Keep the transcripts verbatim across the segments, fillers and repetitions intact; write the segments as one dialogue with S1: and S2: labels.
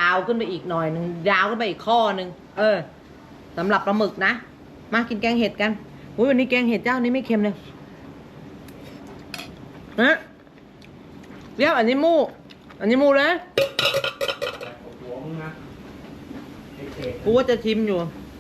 S1: าวขึ้นไปอีกหน่อยหนึ่งยาวขึ้นไปอีกข้อหนึ่งเออสำหรับปลาหมึกนะมากินแกงเห็ดกันอุ้ยวันนี้แกงเห็ดเจ้านี้ไม่เค็มเลยฮะเรียกอันนี้มูอันนี้มูเลยกูว่าจะชิมอยู่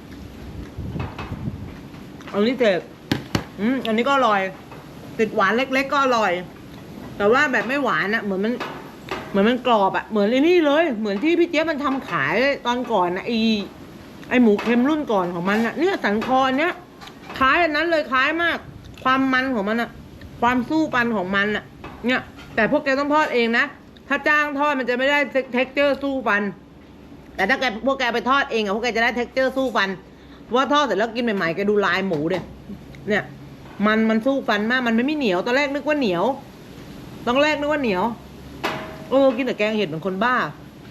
S1: อันนี้เจ็บอืมอันนี้ก็อร่อยติดหวานเล็กๆก็อร่อยแต่ว่าแบบไม่หวานอะเหมือนมันเหมือนมันกรอบอะเหมือนไอ้นี่เลยเหมือนที่พี่เจี๊ยบมันทำขายตอนก่อนนะไอไอหมูเค็มรุ่นก่อนของมันอะเนี่ยสันคอเนี้ยคล้ายอันนั้นเลยคล้ายมากความมันของมันอะความสู้ปันของมันอะเนี่ยแต่พวกแกต้องทอดเองนะถ้าจ้างทอดมันจะไม่ได้เท็กเจอร์สู้ปันแต่ถ้าแกพวกแกไปทอดเองอะพวกแกจะได้เท็กเจอร์สู้ปันเพราะว่าทอดเสร็จแล้วกินใหม่ๆแกดูลายหมูเด็เนี่ยมันมันสู้ฟันมากมันไม่ไม่เหนียวตอนแรกนึกว่าเหนียวตอนแรกนึกว่าเหนียวโอ้กินแต่แกงเห็ดเหมือนคนบ้า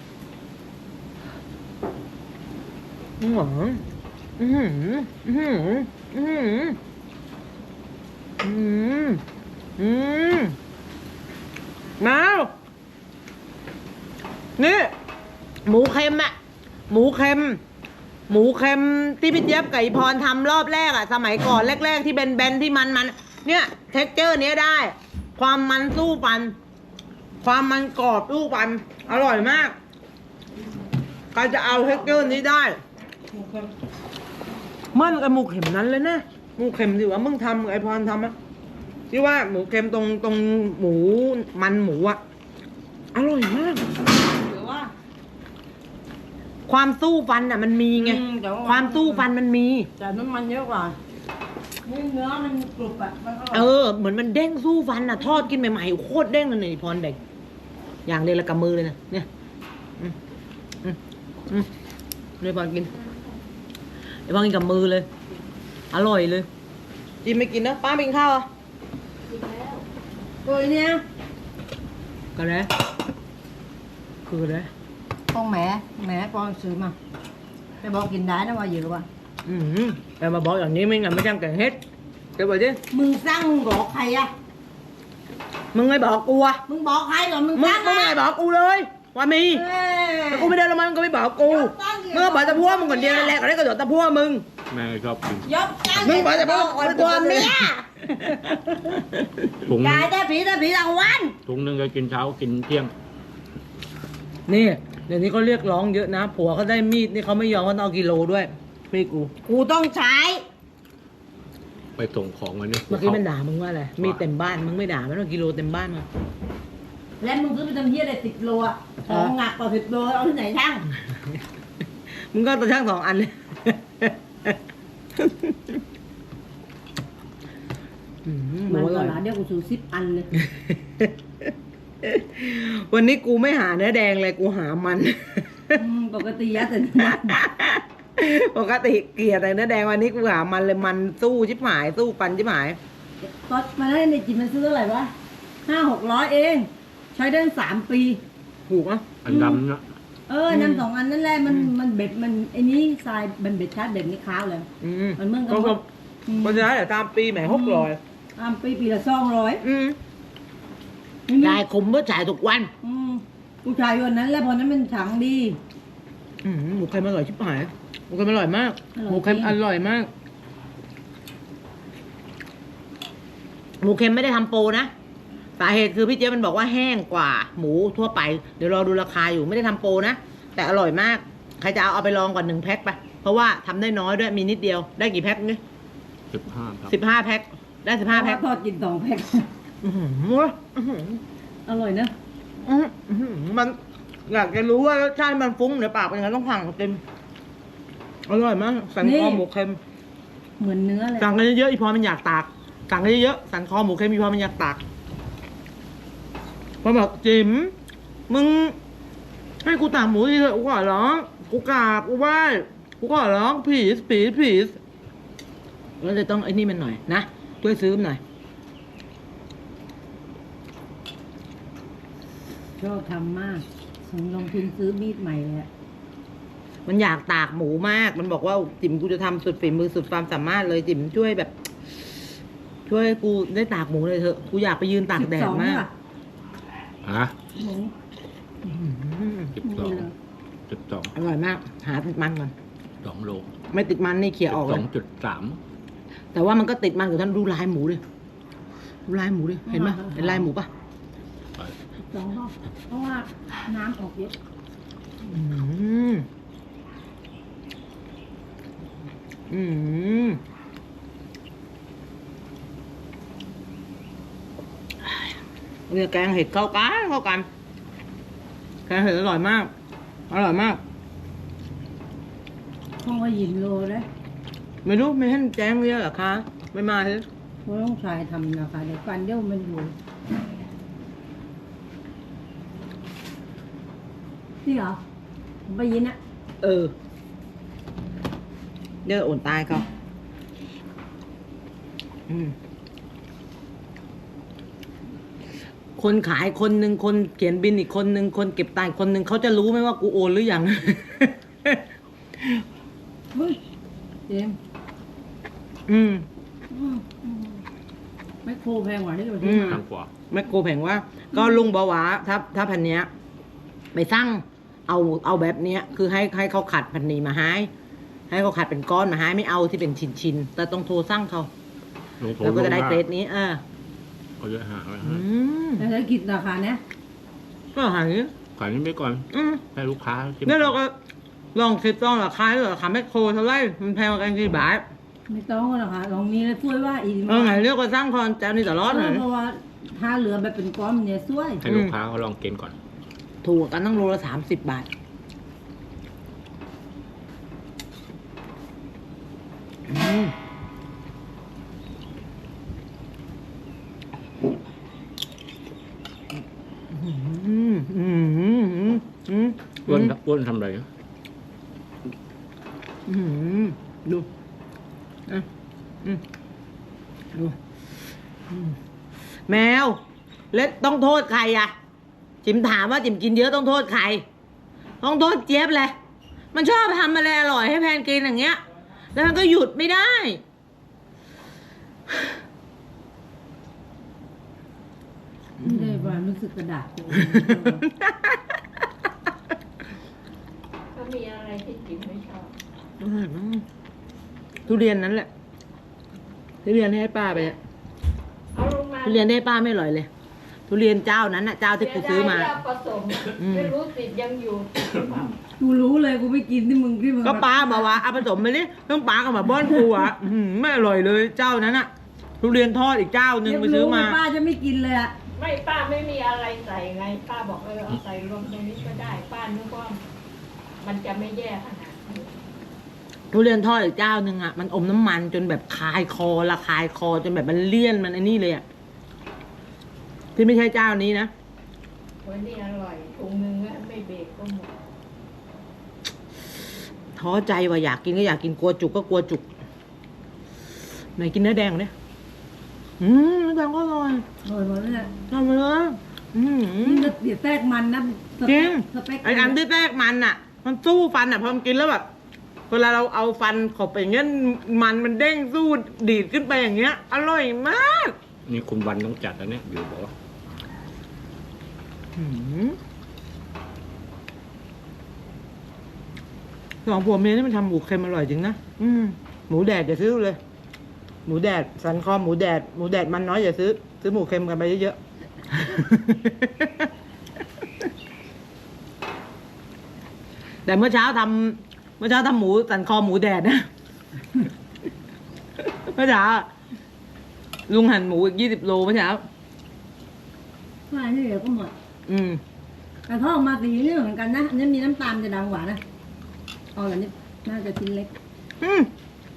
S1: อืมอืมอืมอืมอืมอืมน้าวนี่หมูเค็มอะหมูเค็มหมูเค็มที่พี่เจี๊ยบไก่พรทำรอบแรกอะสมัยก่อนแรกๆที่แบนๆที่มันมันเนี่ยเท็กเจอร์เนี้ยได้ความมันสู้ปันความมันกรอบสู้ปันอร่อยมากใครจะเอาเท็กเจอร์นี้ได้มันกับหมูเข็มนั้นเลยนะหมูเข็มที่ว่ามึงทำไอพรทำอะที่ว่าหมูเค็มตรงตรงหมูมันหมูอะอร่อยมากหรือว่าความสู้ฟันอ่ะมันมีไงความสู้ฟันมันมีแต่น้ำมันเยอะกว่าเนื้อมันกรุบอ่ะเออเหมือนมันเด้งสู้ฟันอ่ะทอดกินใหม่ๆโคตรเด้งเลยพรเด็กอย่างเดียวละกับมือเลยนะเนี่ยอืมอืมอืมเลยพรกินไอ้พรกินกับมือเลยอร่อยเลยจิมไม่กินนะป้าไม่กินข้าวอ่ะกินแล้วโอ้ยเนี่ยก็แล้วคือแล้ว
S2: con mẹ mẹ con sự mà cái bọn kinh đái nó bao giờ qua
S1: ừ em mà bỏอย่างนี้ไม่งั้นไม่ช่างแกงเฮ็ดเดี๋ยวบอกดิ
S2: มึงสร้างมึงบอกใครอะ
S1: มึงไม่บอกกูอะ
S2: มึงบอกใครก่อนมึง
S1: มึ
S2: ส
S1: ง
S2: ร้าง
S1: มึงไม่บอกกูเลยว่ามีแต่กูไม่ได้ละมันก็ไม่บอกกูมึงก็บอกตะพัวมึงคนเดียวนั่นแหละก็ได้กระโดดตะพัวมึง
S3: แม่ชอบกิน
S2: ยกจ้าง
S1: มึงบอกตะพัว
S2: คนตัวเมีย
S3: ถุง
S2: กายได้ผีได้ผีรางวัล
S3: ถุงนึงก็กินเช้ากินเที่ยง
S1: นี่เดี๋ยวนี้เขาเรียกร้องเยอะนะผัวเขาได้มีดนี่เขาไม่ยอมเขาต้องเอากิโลด้วยพี่กู
S2: กูต้องใช้
S3: ไปส่งของวันนี้
S1: เมื่อกี้มันด่ามึงว่าอะไรมีดเต็มบ้านมึงไม่ด่ามันว่ากิโลเต็มบ้านมา
S2: แล้วมึงซื้อไปทำเหี้ยอะไรสิบโลอะของหนักกว่าสิบโลเอาที่ไหนช่าง
S1: มึงก็ตัวช่างสองอันเลย
S2: มันก็หลาเดี๋ยวกูซื้อสิบอันเลย
S1: วันนี้กูไม่หาเนื้อแดงเลยกูหามัน
S2: ปกติยัดแต่
S1: ปกติเกลียดแต่เนื้อแดงวันนี้กูหามันเลยมันสู้ชิบหายสู้ปันชิบหาย
S2: ตอนมาได้ในจิตมันซื้ออะไรวะห้าหกร้อยเองใช้ได้สามปี
S1: ถูกอ่ะ
S3: อันดำนะ
S2: เออนำสองอันนั่นแหละมันมันเบ็ดมันไอ้นี้ทรายมันเบ็ดชาร์จเบ็ดนี่ค้าวเลยมันเมื่อ
S1: ก็เพราะฉะนั้นเดี๋ยวตามปีแหมหกร้อย
S2: ตามปีปีละสองร้อย
S1: ได้คุ้มเมื่อจ่ายทุกวัน
S2: กูจ่ายวันนั้นแล้วพอนั้นมันถังดี
S1: หมูเค็มอร่อยชิบหายหมูเค็มอร่อยมากหมูเค็มอร่อยมากหมูเค็มไม่ได้ทำโปรนะสาเหตุคือพี่เจี๊ยบมันบอกว่าแห้งกว่าหมูทั่วไปเดี๋ยวรอดูราคาอยู่ไม่ได้ทำโปรนะแต่อร่อยมากใครจะเอาเอาไปลองก่อนหนึ่งแพ็คไปเพราะว่าทำได้น้อยด้วยมีนิดเดียวได้กี่แพ็คนี่
S3: สิบห้าครับ
S1: สิบห้าแพ็คได้สิบห้าแพ็ค
S2: ทอดกินสองแพ็คอร่อยนะ
S1: มันอยากจะรู้ว่ารสชาติมันฟุ้งหรือเปล่าเป็นยังไงต้องสั่งเต็มอร่อยมากสันคอหมูเค็ม
S2: เหมือนเนื้อเลย
S1: สั่งกันเยอะๆอีพอมันอยากตากสั่งกันเยอะๆสันคอหมูเค็มอีพอมันอยากตากพอบอกจิ๋มมึงให้กูตากหมูดีเถอะกูขอร้องกูกราบกูไหว้กูขอร้องผีสผีสผีสแล้วเลยต้องไอ้นี่มันหน่อยนะช่วยซื้อหน่อย
S2: ชอบทำมากผมลงทุนซื้อมีดใหม่เลย
S1: มันอยากตากหมูมากมันบอกว่าจิ๋มกูจะทำสุดฝีมือสุดความสามารถเลยจิ๋มช่วยแบบช่วยกูได้ตากหมูเลยเถอะกูอยากไปยืนตากแดดมาก
S3: ฮะ
S2: หมู
S3: สิบสองสิบสอง
S1: อร่อยมาก หาติดมันก่อน
S3: สองโล
S1: ไม่ติดมันนี่เขี่ยออก
S3: ส
S1: เล
S3: อย งจุดสาม
S1: แต่ว่ามันก็ติดมันกับท่านดูลายหมูดิดูลายหมูดิเห็นปะเห็นลายหมูปะ
S2: สองรอบเพราะว่าน้ำออกเยอะ
S1: อืมอืมเนี่ยแกงเห็ดเข้ากันเข้ากันแกงเห็ดอร่อยมากอร่อยมาก
S2: เพราะว่าหยินโลเลย
S1: ไม่รู้ไม่เห็นแจ้งเยอะเหรอคะไม่มาเลย
S2: เพราะต้องชายทำนะคะเดี๋ยวกันเดี๋ยวมันอยู่นี่เหรอผมไปยินอะ
S1: เออเดี๋ยวอ่อนตายเขาอืมคนขายคนหนึ่งคนเขียนบินอีกคนหนึ่งคนเก็บตังค์คนหนึ่งเขาจะรู้ไหมว่ากูโอนหรือยัง
S2: เฮ้ยเจมส์
S1: อืม
S2: อืมอืมไม่โครแพงกว่าที่เรา
S1: อื
S2: ซื้อ
S1: ม
S2: มา
S3: ทางขวา
S1: แม่โกแผงว่า ก็ลุงบอกว่าถ้าถ้าพันเนี้ย ไปสร้างเอาเอาแบบเนี้ย คือให้ให้เขาขัดพันนีมาให้ให้เขาขัดเป็นก้อนมาให้ไม่เอาที่เป็นชิ้นชิ้นๆแต่ต้องโทรสร้างเขา
S3: ลงโถ
S1: แล้วก็จะได้
S3: ลงหน้า
S1: เกรดนี้เออ
S3: เขาจะหาไว้
S1: อื
S3: ให้
S1: ม
S2: แต่ถ้าคิดราคาเนี้ย
S1: ก็หาอย่างนี้
S3: ขายนี้ไปก่อน
S1: อืม
S3: ให้ลูกค้าชิม
S1: นี่เราก็ลองคิดลองราคาด้วยราคาแมคโครเท่าไหรมันแพงกว่ากันกี่บาท
S2: ไม่ต้องหรอกค่ะลองมีแล้วช่วยว่าอีก
S1: เออไหนเรียกว่าสร้างคอนเจ้านี่ตลอด
S2: เอ
S1: เล
S2: อย เพราะว่าถ้าเหลือแบบเป็นก้อนเนี่ยช่วย
S3: ให้ลูกค้าเขาลองกินก่อน
S1: ถูกกันตั้งโลละสามสิบบาทอืมอืมอืมอืมอืมอืม
S3: อ้วนอ้วนทำอะไรนะ
S1: อืมดูอ่ะอืมดูอืมแมว แล้วต้องโทษใครอ่ะ จิมถามว่าจิมกินเยอะต้องโทษใคร ต้องโทษเจี๊ยบเลย มันชอบทำอะไรอร่อยให้แพนกินอย่างเงี้ย แล้วมันก็หยุดไม่ได้
S2: ไม่ได้ความรู้สึกกระดาษตัวเอง
S4: ก็มีอะไรที่จิ๋มไม่ชอบ
S1: อร่อยมากทุเรียนนั้นแหละ ทุเรียนให้ป้าไปอะ
S4: เอาลงมา
S1: ทุเรียนให้ป้าไม่อร่อยเลย ทุเรียนเจ้านั้นน่ะ เจ้าที่กูซื้อมา
S4: เสียดยที่เรผสม
S1: อืม
S4: ไม่รู้ติดยังอยู่หรือเปล่า
S2: กูรู้เลยกูไม่กินที่มึงที่มึง
S1: ก็ป้าบอกว่าเอาผสมไปดิต้องป้ากับมาบ้อนกูอ่ะอื้อหือไม่อร่อยเลยเจ้านั้นอ่ะ ทุเรียนทอดอีกเจ้าหนึ่ง
S2: เดี๋ยว
S1: ไปซื้อมา
S2: รู้ว่ป้าจะไม่กินเลยอะ
S4: ไม่ป้าไม่มีอะไรใส่ไง ป้าบอกเออเอาใส่รวมตรงนี้ก็ได้ ป้านึกว่ามันจะไม่แย่ขนาดนี้
S1: ทุเรียนทอดอีกเจ้าหนึ่งอ่ะมันอมน้ำมันจนแบบคายคอละคายคอจนแบบมันเลี่ยนมันไอ้นี่เลยอ่ะที่ไม่ใช่เจ้านี้นะ
S4: วันนี้อร่อยถุงนึงอะไม่เบรกก็หมด
S1: ท้อใจว่าอยากกินก็อยากกินกลัวจุกก็กลัวจุกไหนกินเนื้อแดงเนี่ยอืมเนื้อแดงก็อร่อย
S2: โอ้ยหมดแล้วเนี่ย
S1: ทำมาเลยอืม
S2: นี่ก็เดี๋ยวแทรกมันนะส
S1: จ
S2: เป
S1: ริ
S2: ค
S1: ง
S2: สเปค
S1: ไอ้อันที่แรกมันอ่ะ มันสู้ฟันอ่ะพอมันกินแล้วแบบเวลาเราเอาฟันเข้าไปอย่างเงี้ยมันมันเด้งสู้ดีดขึ้นไปอย่างเงี้ย อร่อยมาก
S3: นี่คุณวันต้องจัดแล้วเนี่ยอยู่บอกว่า
S1: หืมสองผัวเมียนี่มันทำหมูเค็มอร่อยจริงนะอืมหมูแดดอย่าซื้อเลย หมูแดดสันคอหมูแดดหมูแดดมันน้อยอย่าซื้อ ซื้อหมูเค็มกันไปเยอะๆ แต่เมื่อเช้าทำเมื่อเช้าทำหมูสันคอหมูแดดนะ เมื่อเช้าลุงหั่นหมูอีกยี่สิบโลเมื่อเช้า
S2: ใช่นี่เดี๋ยวก็หมด
S1: อืม
S2: แต่ทอดออกมาสีนี่เหมือนกันนะอันนี่มีน้ำตาลจะดังกว่านะเอาแบบนี้น่าจะชิ้นเล็ก
S1: อืม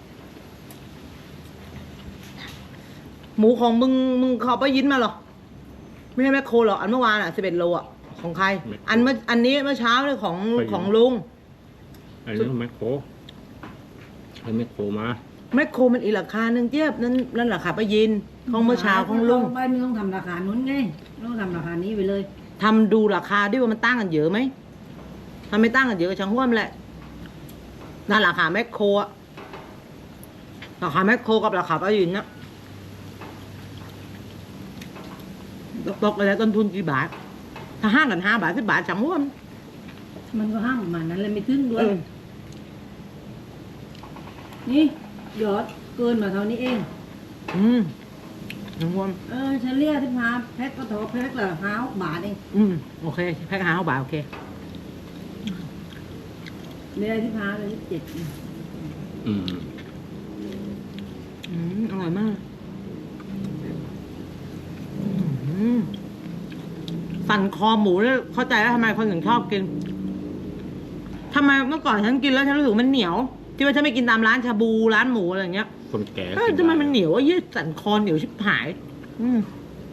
S1: หมูของมึงมึงเขาไปยินมาเหรอ ไม่ใช่แมคโครหรอกอันเมื่อวานอ่ะสิบเอ็ดโลอ่ะของใคร อันเมื่ออันนี้เมื่อเช้าเนี่ยของของลุง
S3: อันนี้แมคโครให้แมคโครมา
S1: แมคโครมันอีกราคาหนึ่งเจี๊ยบนั่นนั่นราคาไปยินของเมื่อเช้าของลุง
S2: ไปไม่ต้องทำราคานู้นไงต้องทำราคานี้ไปเลย
S1: ทำดูราคาด้วยว่ามันตั้งกันเยอะไหมถ้าไม่ตั้งกันเยอะก็ช่างห่วมแหละนั่นราคาแมคโครอะราคาแมคโครกับราคาไปยินนะตกๆไปแล้วต้นทุนกี่บาท ถ้าห้างกันห้าบาทสิบบาทช่างห่วม
S2: มันก็ห้ามประมาณนั้นเลยไม่ถึงด้ว
S1: เอย อ
S2: นี่ยอดเกินมาเท่านี้เอง
S1: อืมน้องวม
S2: เออเฉลี่ยที่พาแพ็คก็โถแพ็คละห้าบาทเอง
S1: อืมโอเคแพ็คห้าบาทโอเค
S2: เรียที่พาเลยเจ็ด
S3: อืม
S1: อืมอร่อยมากอืมสั่นคอหมูเนี่ยเข้าใจแล้วทำไมคนถึงชอบกินทำไมเมื่อก่อนฉันกินแล้วฉันรู้สึกมันเหนียว ที่ว่าฉันไม่กินตามร้านชาบูร้านหมูอะไรอย่างเงี้ย
S3: คนแก่
S1: เอ้ย
S3: กิ
S1: ทำไม
S3: ด้
S1: มันเหนียวอะยืดสั่นคอเหนียวชิบหาย อืม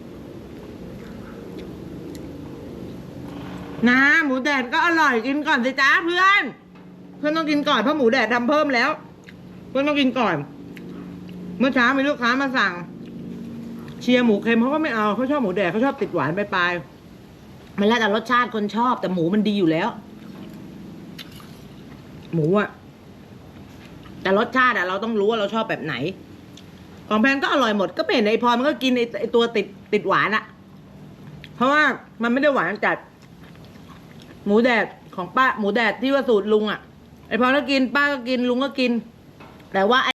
S1: นะหมูแดดก็อร่อยกินก่อนสิจ้าเพื่อน เพื่อนต้องกินก่อนเพราะหมูแดดทำเพิ่มแล้ว เพื่อนต้องกินก่อน เมื่อเช้ามีลูกค้ามาสั่ง เชียร์หมูเค็มเขาก็ไม่เอาเขาชอบหมูแดดเขาชอบติดหวานปลายๆมันแล้วแต่รสชาติคนชอบแต่หมูมันดีอยู่แล้ว หมูอะแต่รสชาติอะเราต้องรู้ว่าเราชอบแบบไหน ของแพนก็อร่อยหมดก็ไม่เห็นไอพรมันก็กินไอไอตัวติดติดหวานอะเพราะว่ามันไม่ได้หวานจัด หมูแดดของป้าหมูแดดที่ว่าสูตรลุงอะไอพรก็กินป้าก็กินลุงก็กิน แต่ว่า